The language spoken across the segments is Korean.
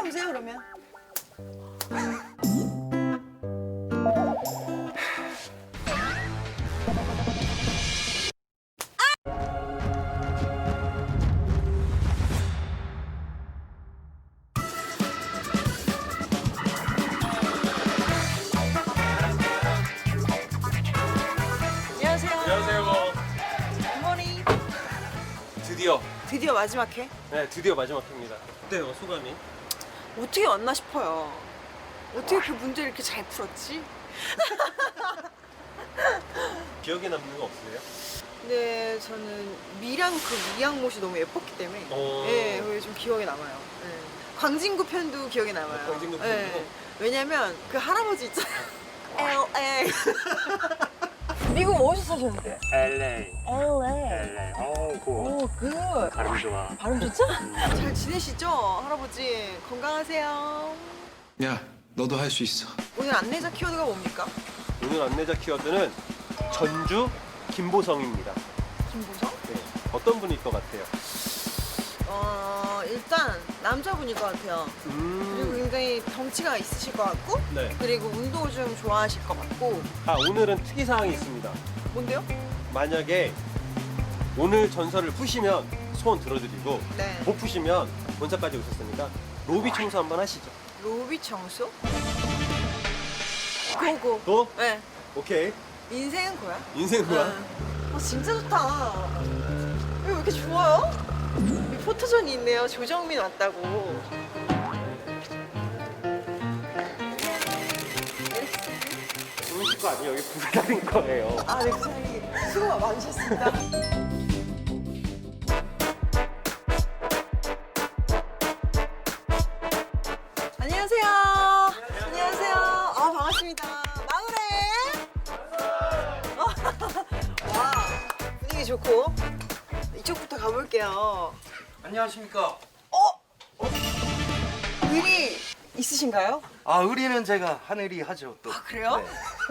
때려보세요 그러면. 안녕하세요. 안녕하세요. 굿모닝. 드디어 마지막 회? 네, 드디어 마지막 회입니다. 어때요, 소감이? 어떻게 왔나 싶어요. 어떻게 그 문제를 이렇게 잘 풀었지? 기억에 남는 거 없으세요? 근데 저는 미랑 그 미양못이 너무 예뻤기 때문에 네, 그게 좀 기억에 남아요. 네. 광진구 편도 기억에 남아요. 광진구 편도? 네. 왜냐면 그 할아버지 있잖아요. LA. 미국 어디서 사셨는데? LA. LA. 오, 굿. 발음 좋아. 발음 좋죠? 잘 지내시죠? 할아버지 건강하세요. 야, 너도 할 수 있어. 오늘 안내자 키워드가 뭡니까? 오늘 안내자 키워드는 전주 김보성입니다. 김보성? 네, 어떤 분일 것 같아요? 일단 남자분일 것 같아요. 그리고 굉장히 덩치가 있으실 것 같고 네. 그리고 운동을 좀 좋아하실 것 같고. 아, 오늘은 특이사항이 있습니다. 뭔데요? 만약에 오늘 전설을 푸시면 소원 들어드리고 네. 못 푸시면 본사까지 오셨으니까 로비 청소 한번 하시죠. 로비 청소? 고고. 또? 네. 오케이. 인생은 고야? 인생 뭐야? 진짜 좋다. 왜 이렇게 좋아요? 여기 포토존이 있네요. 조정민 왔다고. 주무실 거 아니에요? 여기 부사장인 거예요. 아, 네, 부장님 수고 많으셨습니다. 안녕하세요. 안녕하세요. 아, 반갑습니다. 마을에. 와, 분위기 좋고. 이쪽부터 가볼게요. 안녕하십니까. 의리 있으신가요? 아, 의리는 제가 하늘이 하죠 또. 아, 그래요?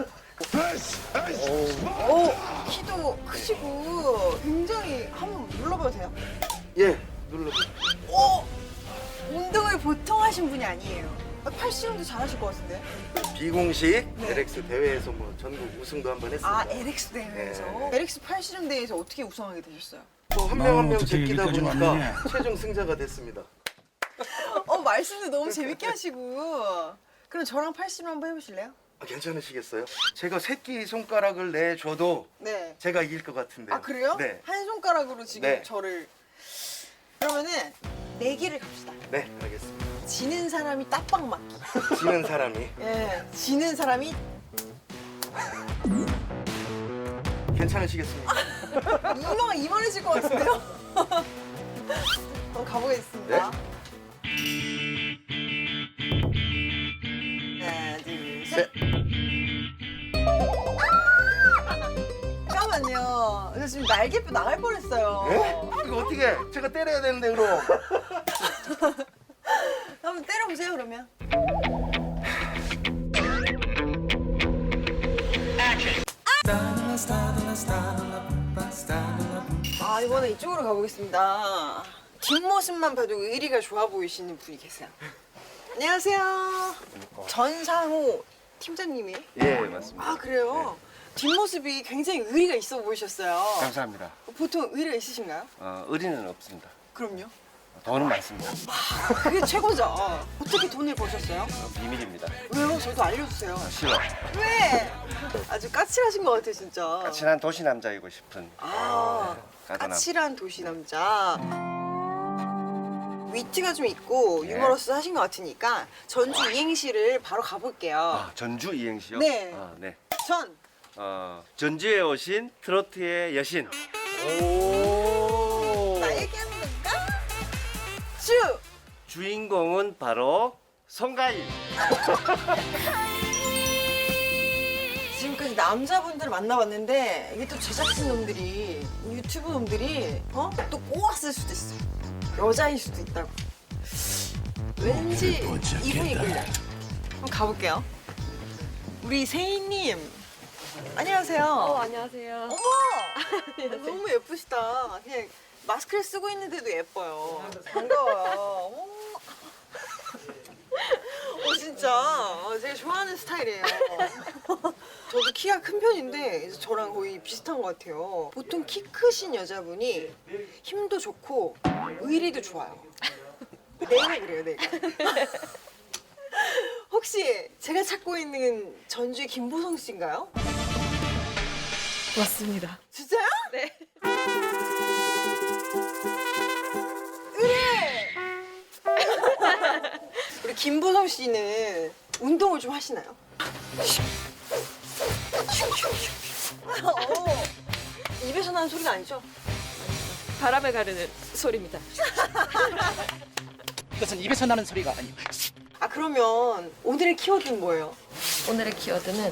네. 오, 키도 크시고 굉장히 한번 눌러봐도 돼요? 예, 눌러. 오! 운동을 보통 하신 분이 아니에요. 팔씨름도 잘하실 것 같은데? 비공식 네. LX 대회에서 뭐 전국 우승도 한번 했습니다. 아, LX 대회에서? 네. LX 팔씨름 대회에서 어떻게 우승하게 되셨어요? 또 한 명 한 명 어떻게 제끼다 여기까지 보니까 왔느냐? 최종 승자가 됐습니다. 말씀도 너무 재밌게 하시고. 그럼 저랑 팔씨름 한번 해보실래요? 아, 괜찮으시겠어요? 제가 새끼 손가락을 내줘도 네. 제가 이길 것 같은데요. 아, 그래요? 네. 한 손가락으로 지금 네. 저를. 그러면은 내기를 갑시다. 네, 알겠습니다. 지는 사람이 딱방 맞기. 지는 사람이 예, 지는 사람이 괜찮으시겠습니까? 이만해질 것 같은데요? 한번 가보겠습니다. 하나, 둘, 셋. 잠깐만요. 저 지금 날개뼈 나갈 뻔했어요. 예? 이거 어떻게? 제가 때려야 되는데 그럼. 한번 때려보세요 그러면. 이번에 이쪽으로 가보겠습니다. 뒷모습만 봐도 의리가 좋아 보이시는 분이 계세요. 안녕하세요. 전상호 팀장님이에요? 예, 맞습니다. 아, 그래요? 뒷모습이 굉장히 의리가 있어 보이셨어요. 감사합니다. 보통 의리가 있으신가요? 의리는 없습니다. 그럼요. 돈은 많습니다. 그게 최고죠. 어떻게 돈을 버셨어요? 비밀입니다. 왜요? 저도 알려주세요. 싫어. 왜? 아주 까칠하신 것 같아 진짜. 까칠한 도시 남자이고 싶은. 가다남. 까칠한 도시 남자. 위트가 좀 있고 네. 유머러스 하신 것 같으니까 전주 이행시를 바로 가볼게요. 전주 이행시요? 네. 네. 전 전주에 오신 트로트의 여신. 나에게 하는 건가? 주 주인공은 바로 송가인. 지금까지 남자분들 만나봤는데 이게 또 제작진 놈들이 유튜브 놈들이 또 꼬았을 수도 있어. 여자일 수도 있다고. 왠지 이분이 끌려. 한번 가볼게요. 우리 세희님 안녕하세요. 안녕하세요. 어머 너무 예쁘시다. 그냥 마스크를 쓰고 있는데도 예뻐요. 반가워요. 좋아하는 스타일이에요. 저도 키가 큰 편인데 이제 저랑 거의 비슷한 것 같아요. 보통 키 크신 여자분이 힘도 좋고 의리도 좋아요. 내가 그래요, 내가. 혹시 제가 찾고 있는 전주의 김보성 씨인가요? 맞습니다. 진짜요? 네. 의뢰! 우리 김보성 씨는 운동을 좀 하시나요? 입에서 나는 소리가 아니죠? 바람을 가르는 소리입니다. 이것은 입에서 나는 소리가 아니고 아 그러면 오늘의 키워드는 뭐예요? 오늘의 키워드는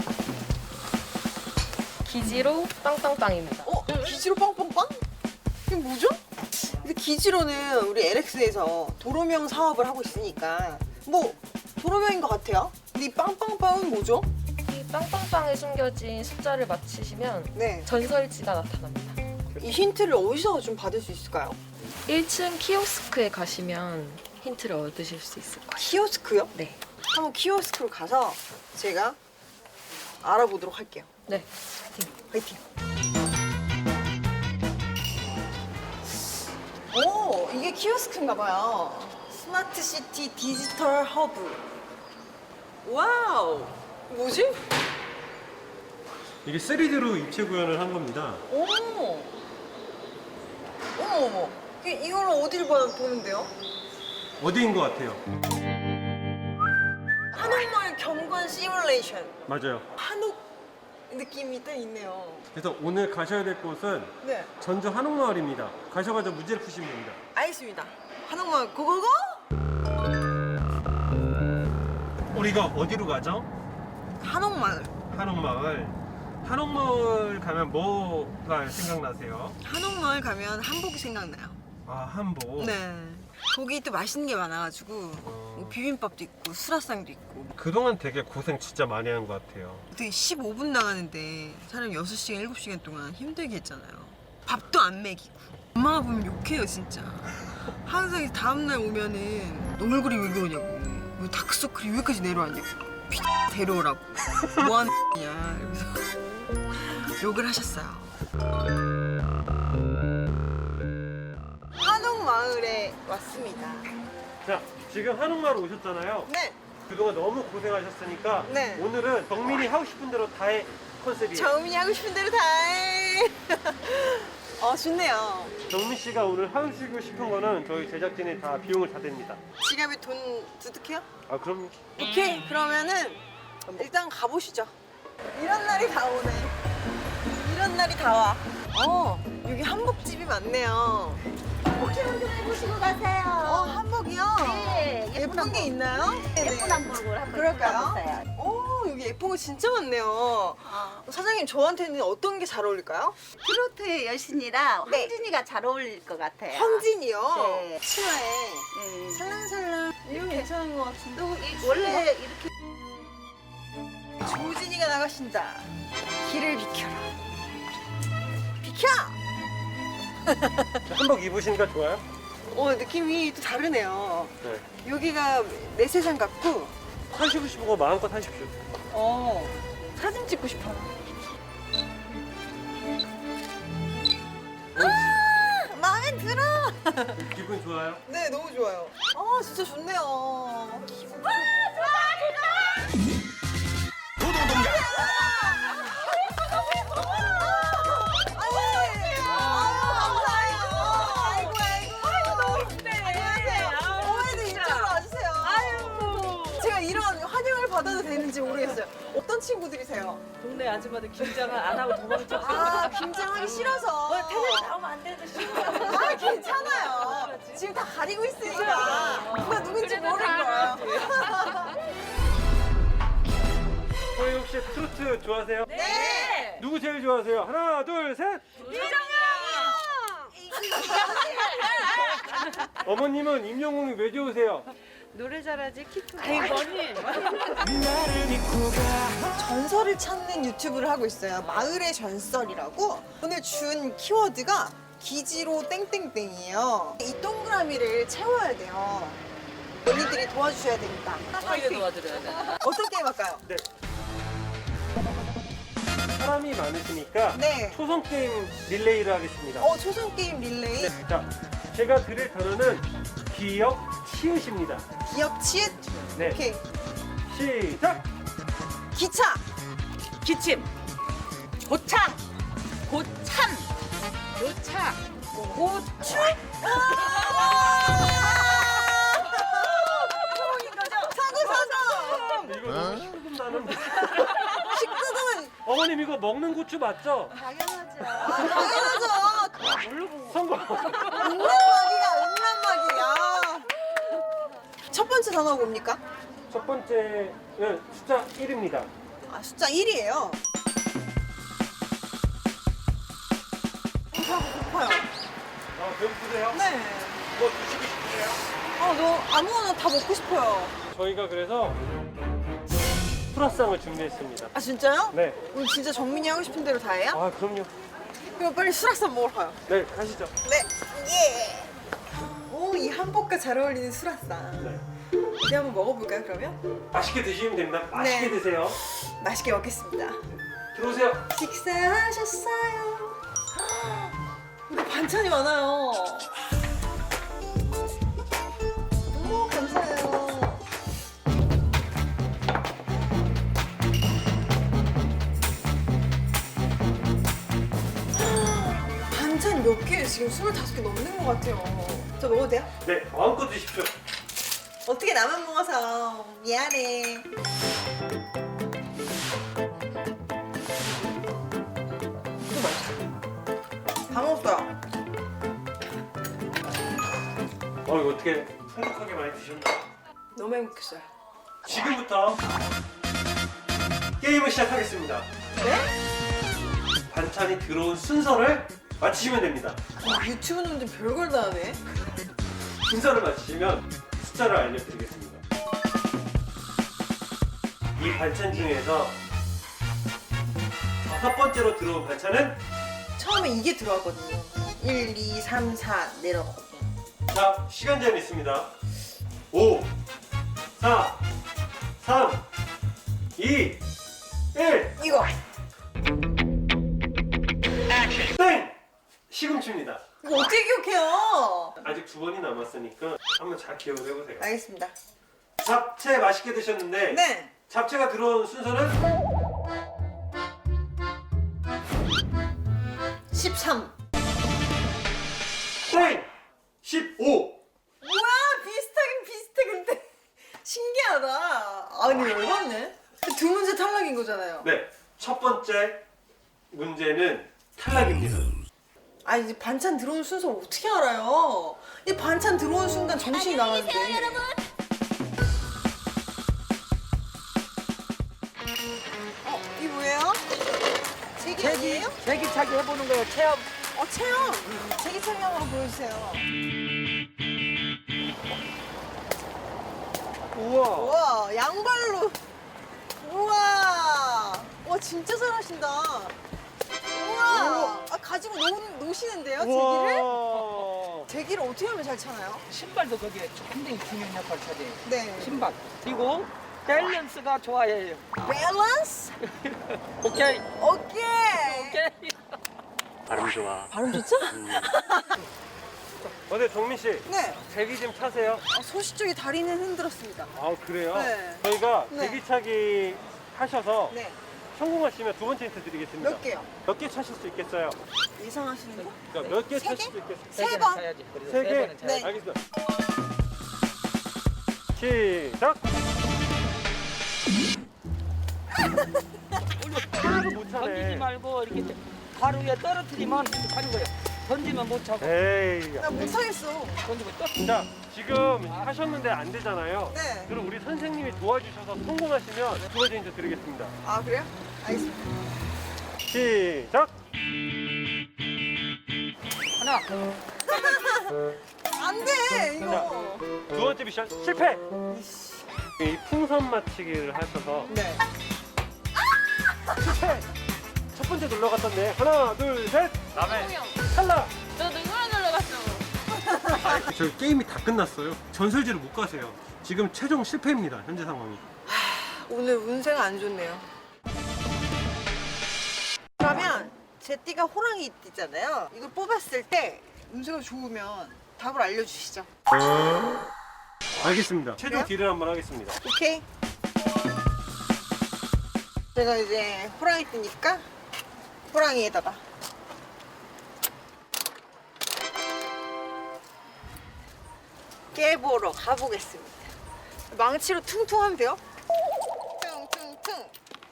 기지로 빵빵빵입니다. 기지로 빵빵빵? 이게 뭐죠? 근데 기지로는 우리 LX에서 도로명 사업을 하고 있으니까 뭐 도로명인 것 같아요. 근데 이 빵빵빵은 뭐죠? 이 빵빵빵에 숨겨진 숫자를 맞히시면 네. 전설지가 나타납니다. 이 힌트를 어디서 좀 받을 수 있을까요? 1층 키오스크에 가시면 힌트를 얻으실 수 있을 거예요. 키오스크요? 네. 한번 키오스크로 가서 제가 알아보도록 할게요. 네. 화이팅! 오, 이게 키오스크인가 봐요. 스마트 시티 디지털 허브. 와우! 뭐지? 이게 3D로 입체 구현을 한 겁니다. 어머! 어머! 이걸 어딜 보는데요? 어디인 것 같아요? 한옥마을 경관 시뮬레이션. 맞아요. 한옥 느낌이 딱 있네요. 그래서 오늘 가셔야 될 곳은 네, 전주 한옥마을입니다. 가셔가지고 문제를 푸시면 됩니다. 알겠습니다. 한옥마을 고고고! 우리가 어디로 가죠? 한옥마을. 한옥마을. 한옥마을 가면 뭐가 생각나세요? 한옥마을 가면 한복이 생각나요. 아, 한복. 네. 거기 또 맛있는 게 많아가지고 뭐 비빔밥도 있고 수라상도 있고 그동안 되게 고생 진짜 많이 한 것 같아요. 되게 15분 나가는데 사람 6시간, 7시간 동안 힘들게 했잖아요. 밥도 안 먹이고 엄마가 보면 욕해요 진짜. 항상 다음날 오면은 너 얼굴이 왜 그러냐고 왜 다크서클이 여기까지 내려왔냐고 데려오라고 뭐 하는 냐 이러면서 욕을 하셨어요. 한옥마을에 왔습니다. 자, 지금 한옥마을 오셨잖아요. 네, 그동안 너무 고생하셨으니까 네. 오늘은 정민이 하고 싶은 대로 다 해 컨셉이에요. 정민이 하고 싶은 대로 다 해. 좋네요. 정민 씨가 오늘 하시고 싶은 거는 저희 제작진이 다 비용을 다 댑니다. 지갑에 돈 두둑해요? 아, 그럼 오케이, 그러면은 일단 가보시죠. 이런 날이 다 오네. 이런 날이 다 와. 여기 한복집이 많네요. 한번 해보시고 가세요. 한복이요? 네, 예쁜 게 있나요? 예쁜 한복을 한번 그럴까요? 입어보세요. 여기 예쁜 거 진짜 많네요. 사장님, 저한테는 어떤 게 잘 어울릴까요? 트로트의 여신이라 네. 황진이가 잘 어울릴 것 같아요. 황진이요? 네. 치마에 네. 살랑살랑. 이거 괜찮은 것 같은데? 원래 이렇게 조진이가 나가신다. 길을 비켜라. 비켜! 한복 입으시니까 좋아요? 느낌이 또 다르네요. 네. 여기가 내 세상 같고, 하시고 싶은 거 마음껏 하십시오. 사진 찍고 싶어요. 마음에 들어! 기분 좋아요? 네, 너무 좋아요. 진짜 좋네요. 기분 좋아! 받아도 되는지 모르겠어요. 어떤 친구들이세요? 동네 아줌마들 김장을 안 하고 도망쳐. 김장하기 싫어서. 텔레비 나오면 안 되는데 싫어. 괜찮아요. 지금 다 가리고 있으니까 누가 누군지 모를 거예요. 저희 혹시 트로트 좋아하세요? 네. 누구 제일 좋아하세요? 하나, 둘, 셋! 어머님은 임영웅이 왜 좋으세요? 노래 잘하지 키크. 전설을 찾는 유튜브를 하고 있어요. 마을의 전설이라고. 오늘 준 키워드가 기지로 땡땡땡이에요. 이 동그라미를 채워야 돼요. 언니들이 도와주셔야 되겠다. 저희가 도와드려야 돼. 어떤 게임 할까요? 네. 사람이 많으시니까 네. 초성 게임 릴레이를 하겠습니다. 초성 게임 릴레이. 네. 자, 제가 드릴 단어는 기역, 치읓입니다. 기역 치읓. 네. 오케이. 시작! 기차. 기침. 고창. 고참. 요차. 고추. 사고. 이거 너무 식금 나는데. 식구는 어머님 이거 먹는 고추 맞죠? 당연하죠. 당연하죠. 성공! 음란마귀야. 첫 번째 단어가 뭡니까? 첫 번째는 숫자 1입니다. 숫자 1이에요. 배고파요. 배고프세요? 네. 뭐 드시고 싶으세요? 너 아무거나 다 먹고 싶어요. 저희가 그래서 프라상을 준비했습니다. 진짜요? 네. 오늘 진짜 정민이 하고 싶은 대로 다 해요? 아, 그럼요. 그럼 빨리 수락산 먹으러 가요. 네, 가시죠. 네. 예. 오, 이 한복과 잘 어울리는 수락산. 네. 이제 한번 먹어볼까요, 그러면? 맛있게 드시면 됩니다. 맛있게 네. 드세요. 맛있게 먹겠습니다. 들어오세요. 식사하셨어요? 근데 반찬이 많아요. 오, 감사해요. 반찬 몇 개예요? 지금 25개 넘는 것 같아요. 저 먹어도 돼요? 네, 마음껏 드십시오. 어떻게 나만 먹어서 미안해. 다 먹었어요. 이거 어떻게 풍족하게 많이 드셨나요? 너무 행복했어요. 지금부터 게임을 시작하겠습니다. 네? 반찬이 들어온 순서를 맞히시면 됩니다. 유튜브 놈들 별걸 다 하네. 순서를 맞히시면 숫자를 알려드리겠습니다. 이 반찬 중에서 5번째로 들어온 반찬은 처음에 이게 들어왔거든요. 1, 2, 3, 4 내려갔거든요. 자, 시간 제한 있습니다. 5, 4, 3, 2, 1, 이거. 땡! 시금치입니다. 이거 어떻게 기억해요? 아직 2번이 남았으니까 한번 잘 기억을 해보세요. 알겠습니다. 잡채 맛있게 드셨는데 네. 잡채가 들어온 순서는 13. 땡! 15! 뭐야? 비슷하긴 비슷해 근데 신기하다. 아니 열받네. 두 문제 탈락인 거잖아요. 네, 첫 번째 문제는 탈락입니다. 이제 반찬 들어오는 순서 어떻게 알아요? 이 반찬 들어오는 순간 정신이 나가는데. 이게 뭐예요? 제기 아니에요? 제기차기 해보는 거예요. 체험. 체험. 제기 체험으로 보여주세요. 우와! 우와, 양발로. 우와. 와, 진짜 잘하신다. 우와. 가지고 노시는데요, 제기를? 우와! 제기를 어떻게 하면 잘 차나요? 신발도 거기에 굉장히 중요한 역할을 차지해요. 네. 신발. 그리고 밸런스가 좋아야 밸런스? 오케이. 오케이. 오케이. 발음 좋아. 발음 좋죠? 네, 정민 씨. 네. 제기 좀 차세요. 소시 쪽에 다리는 흔들었습니다. 아, 그래요? 네. 저희가 네. 제기차기 하셔서 네. 성공하시면 두 번째 힌트 드리겠습니다. 몇 개요? 몇 개 차실 수 있겠어요? 예상하시는 거? 그러니까 몇 개 세 차실 개? 수 있겠어요? 세 번. 차야지. 그래서 세 개? 번은 차야지. 네. 알겠습니다. 시작! 하나도 못 던지지 차네. 말고 이렇게 바로 위에 떨어뜨리면 하는 거예요. 던지면 못 차고 에이. 나 못하겠어. 던지고 또. 자, 지금 하셨는데 안 되잖아요. 네. 그럼 우리 선생님이 도와주셔서 성공하시면 두 번째 힌트 드리겠습니다. 아, 그래요? 알겠습니다. 시작! 하나. 안 돼, 이거. 두 번째 미션 실패! 이 풍선 맞히기를 하셔서 네. 실패! 첫 번째 놀러 갔던데 하나, 둘, 셋! 남의 탈락! 저 누구랑 놀러 갔어? 저희 게임이 다 끝났어요. 전설지를 못 가세요. 지금 최종 실패입니다. 현재 상황이. 오늘 운세가 안 좋네요. 그러면 제 띠가 호랑이 띠잖아요. 이걸 뽑았을 때 운세가 좋으면 답을 알려주시죠. 알겠습니다. 최종 그래요? 딜을 한번 하겠습니다. 오케이. 제가 이제 호랑이 띠니까 호랑이에다가 깨보러 가보겠습니다. 망치로 퉁퉁하면 돼요? 퉁퉁퉁.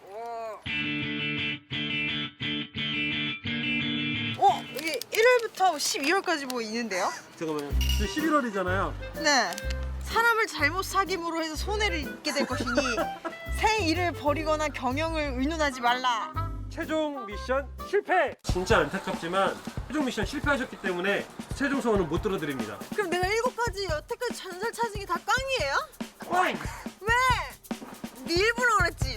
이게 1월부터 12월까지 뭐 있는데요? 잠깐만요. 지금 11월이잖아요. 네. 사람을 잘못 사귐으로 해서 손해를 입게 될 것이니 새 일을 벌이거나 경영을 의논하지 말라. 최종 미션 실패! 진짜 안타깝지만 최종 미션 실패하셨기 때문에 최종 소원은 못 들어드립니다. 그럼 내가 7가지 여태까지 전설 찾은 게 다 깡이에요? 꽝! 왜? 네 일부러 그랬지.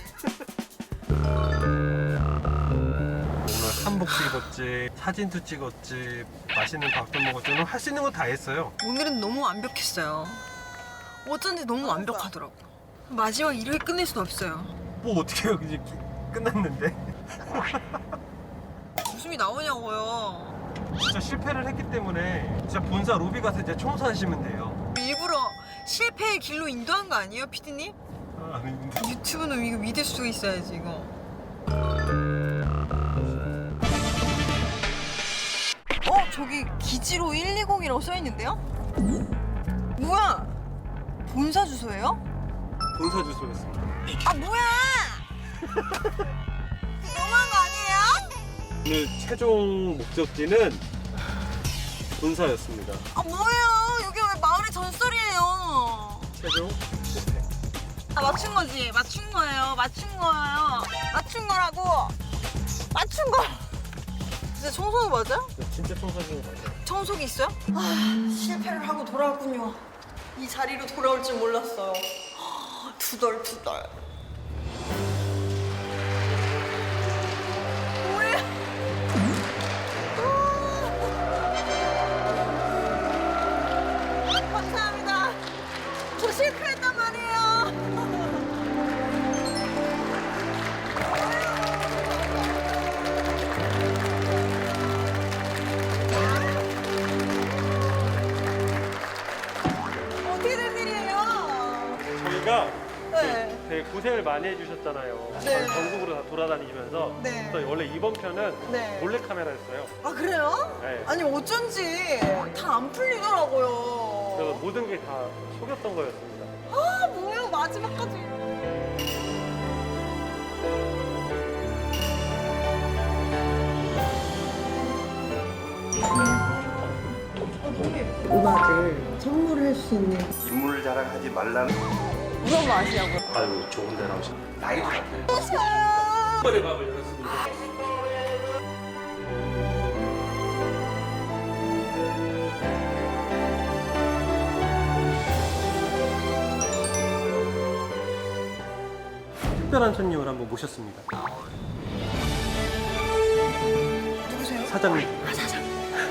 오늘 한복도 입었지, 사진도 찍었지, 맛있는 밥도 먹었지. 오늘 할 수 있는 거 다 했어요. 오늘은 너무 완벽했어요. 어쩐지 너무 완벽하더라고. 마지막 이렇게 끝낼 순 없어요. 뭐 어떻게 해요? 이제 끝났는데. 웃음이 나오냐고요. 진짜 실패를 했기 때문에 진짜 본사 로비 가서 이제 청소하시면 돼요. 일부러 실패의 길로 인도한 거 아니에요, 피디님? 아, 아닌데. 유튜브는 이거 믿을 수가 있어야지 이거. 저기 기지로 120이라고 써 있는데요? 뭐야? 본사 주소예요? 본사 주소였습니다. 아 뭐야? 너무한 거 아니에요? 오늘 최종 목적지는 본사였습니다. 아 뭐예요? 여기 왜 마을의 전설이에요? 최종 실패. 아 맞춘 거지? 맞춘 거예요. 맞춘 거예요. 맞춘 거라고. 맞춘 거. 진짜 청소기 맞아? 진짜 청소하신 거 맞아요. 청소기 있어요? 아 실패를 하고 돌아왔군요. 이 자리로 돌아올 줄 몰랐어요. 투덜투덜. 뭐야? 감사합니다. 저 실패했단 말이에요. 어떻게 된 일이에요? 저희가 네. 되게 고생을 많이 해주셨잖아요. 네. 전국으로 다 돌아다니시면서. 네. 그래서 원래 이번 편은 네. 몰래카메라였어요. 아 그래요? 네. 아니 어쩐지 다 안 풀리더라고요. 그래서 모든 게 다 속였던 거였습니다. 아 뭐야 마지막까지. 음악을 선물할 수 있는 인물 자랑하지 말라는 무슨 맛이냐고요? 아유, 좋은 데 나오셨네. 나이도 안 돼. 번의 밥을 열었습니다. 특별한 손님을 한번 모셨습니다. 누구세요? 사장님. 아 사장.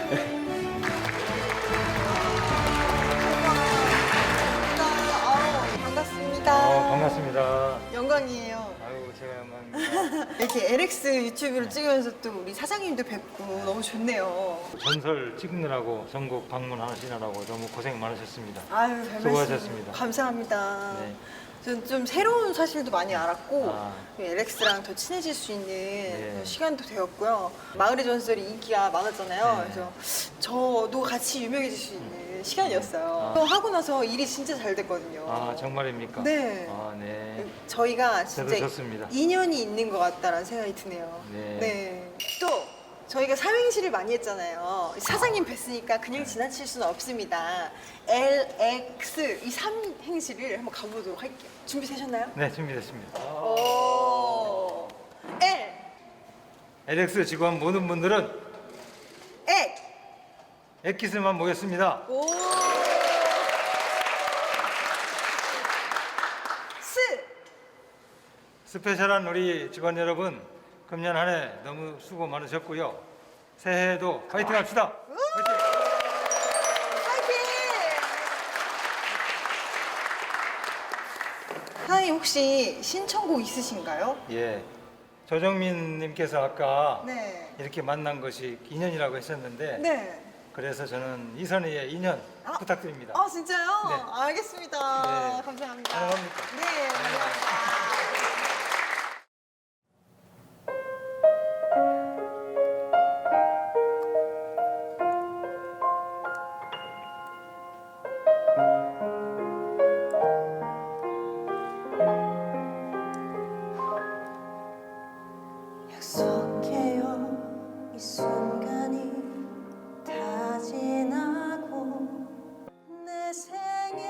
반갑습니다. 반갑습니다. 영광이에요. 아유, 제가 영광입니다. 이렇게 LX 유튜브를 찍으면서 또 우리 사장님도 뵙고 너무 좋네요. 전설 찍느라고 전국 방문하시느라고 너무 고생 많으셨습니다. 아유 별 수고하셨습니다. 말씀. 감사합니다. 네. 저는 좀 새로운 사실도 많이 알았고 아. LX랑 더 친해질 수 있는 네. 시간도 되었고요. 마을의 전설이 인기가 많았잖아요. 네. 그래서 저도 같이 유명해질 수 있는 시간이었어요. 아. 또 하고 나서 일이 진짜 잘 됐거든요. 아, 정말입니까? 네. 아, 네. 저희가 저도 진짜 좋습니다. 인연이 있는 것 같다라는 생각이 드네요. 네. 또 저희가 삼행시를 많이 했잖아요. 사장님 뵀으니까 그냥 지나칠 수는 없습니다. LX 이 삼행시를 한번 가보도록 할게요. 준비되셨나요? 네, 준비됐습니다. 오. L LX 직원 모든 분들은 액 엑기스만 모였습니다. 오. 스 스페셜한 우리 직원 여러분, 금년 한 해 너무 수고 많으셨고요. 새해에도 파이팅 합시다. 파이팅! 파이팅! 사장님 혹시 신청곡 있으신가요? 예. 조정민님께서 아까 네. 이렇게 만난 것이 인연이라고 했었는데 네. 그래서 저는 이선희의 인연 부탁드립니다. 아 진짜요? 네. 알겠습니다. 네. 감사합니다. 사랑합니다. 네. 감사합니다. 약속해요 이 순간이 다 지나고 내 생에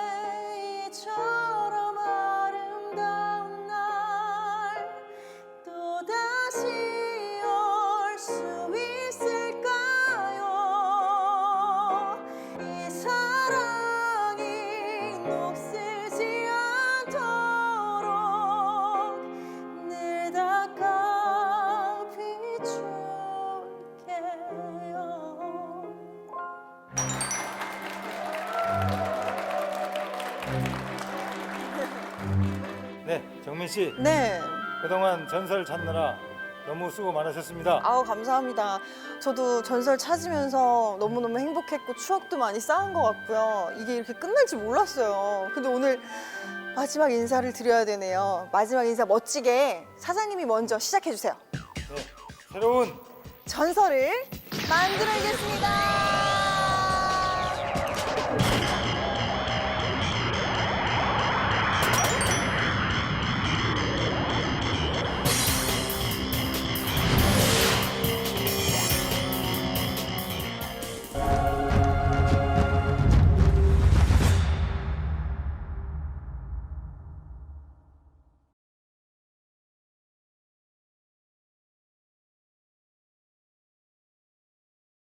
이처럼 아름다운 날 또다시 올 수 있을까요 이 사랑이 녹슬지 않도록 늘 닦아 비출게요. 네, 정민 씨. 네. 그동안 전설 찾느라 너무 수고 많으셨습니다. 아우 감사합니다. 저도 전설 찾으면서 너무너무 행복했고 추억도 많이 쌓은 것 같고요. 이게 이렇게 끝날 줄 몰랐어요. 근데 오늘 마지막 인사를 드려야 되네요. 마지막 인사 멋지게 사장님이 먼저 시작해 주세요. 네, 새로운 전설을 만들어야겠습니다.